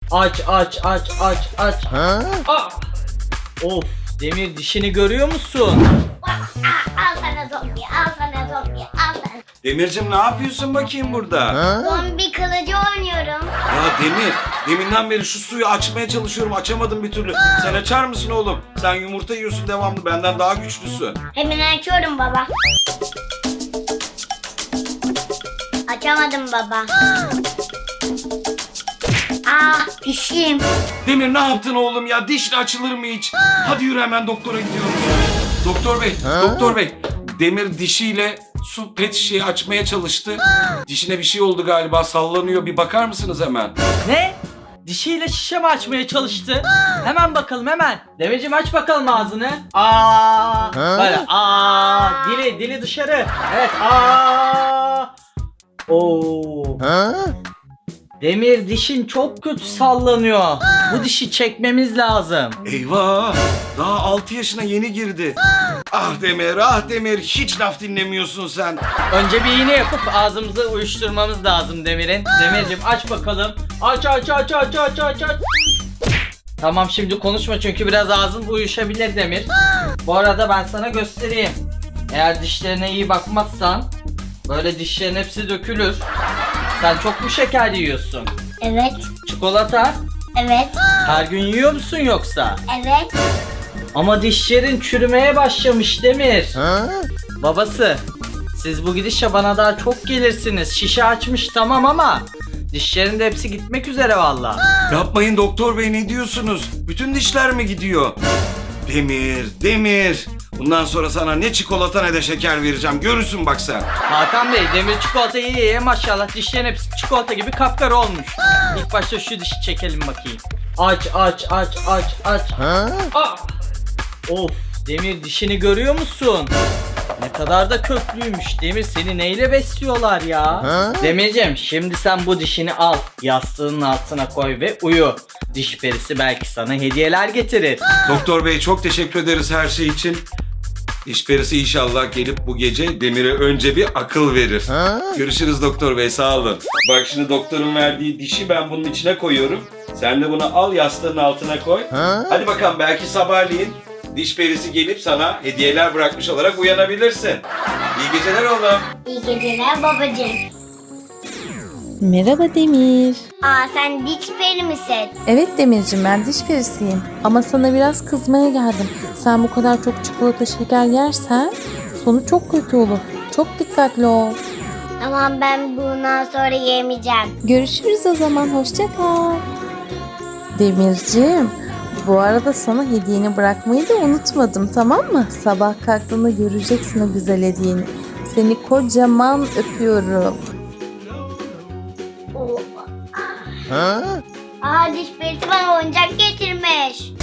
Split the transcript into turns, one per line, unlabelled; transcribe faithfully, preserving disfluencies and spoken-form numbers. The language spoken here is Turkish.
Aç aç aç aç aç. Ah! Of, Demir dişini görüyor musun?
Al sana zombi, al sana zombi, al sana.
Demircim ne yapıyorsun bakayım burada?
Zombi kılıcı oynuyorum.
Ya Demir, deminden beri şu suyu açmaya çalışıyorum, açamadım bir türlü. Sen açar mısın oğlum? Sen yumurta yiyorsun devamlı, benden daha güçlüsün.
Hemen açıyorum baba. Açamadım baba. Ah dişim.
Demir ne yaptın oğlum ya? Dişle açılır mı hiç? Hadi yürü, hemen doktora gidiyoruz. Doktor bey, doktor bey. Demir dişiyle su pet şişeyi açmaya çalıştı. Dişine bir şey oldu galiba, sallanıyor. Bir bakar mısınız hemen?
Ne? Dişiyle şişe mi açmaya çalıştı? Hemen bakalım hemen. Demircim aç bakalım ağzını. Aa, böyle aa, dili dili dışarı. Evet aa. Oo. Demir dişin çok kötü sallanıyor. Bu dişi çekmemiz lazım.
Eyvah! Daha altı yaşına yeni girdi. Ah Demir, ah Demir. Hiç laf dinlemiyorsun sen.
Önce bir iğne yapıp ağzımızı uyuşturmamız lazım Demir'in. Demircim aç bakalım. Aç aç aç aç aç aç aç. Tamam, şimdi konuşma çünkü biraz ağzın uyuşabilir Demir. Bu arada ben sana göstereyim. Eğer dişlerine iyi bakmazsan böyle dişlerin hepsi dökülür. Sen çok mu şeker yiyorsun?
Evet,
Çikolata
evet,
her gün yiyor musun yoksa?
evet.
Ama dişlerin çürümeye başlamış Demir. Babası, siz bu gidişle bana daha çok gelirsiniz. Şişe açmış tamam ama dişlerin de hepsi gitmek üzere valla.
Yapmayın doktor bey, ne diyorsunuz? Bütün dişler mi gidiyor? Demir, Demir. Bundan sonra sana ne çikolata ne de şeker vereceğim. Görürsün bak sen.
Hakan Bey, Demir çikolatayı ye ye maşallah dişlerin hepsi çikolata gibi kapkara olmuş. İlk başta şu dişi çekelim bakayım. Aç aç aç aç aç. Ah! Of, Demir dişini görüyor musun? Ne kadar da köklüymüş. Demir, seni neyle besliyorlar ya? Demircim, şimdi sen bu dişini al. Yastığının altına koy ve uyu. Diş perisi belki sana hediyeler getirir.
Doktor bey çok teşekkür ederiz her şey için. Diş perisi inşallah gelip bu gece Demir'e önce bir akıl verir. Görüşürüz doktor bey, sağ olun. Bak şimdi doktorun verdiği dişi ben bunun içine koyuyorum. Sen de bunu al, yastığın altına koy. Hadi bakalım, belki sabahleyin diş perisi gelip sana hediyeler bırakmış olarak uyanabilirsin. İyi geceler oğlum.
İyi geceler babacığım.
Merhaba Demir.
Aa sen diş peri misin?
Evet Demircim, ben diş perisiyim. Ama sana biraz kızmaya geldim. Sen bu kadar çok çikolata şeker yersen sonu çok kötü olur. Çok dikkatli ol.
Tamam, ben bundan sonra yemeyeceğim.
Görüşürüz o zaman. Hoşça kal. Demircim, bu arada sana hediyeni bırakmayı da unutmadım, tamam mı? Sabah kalktığında göreceksin o güzel hediyeni. Seni kocaman öpüyorum.
Aa diş perisi bana oyuncak getirmiş.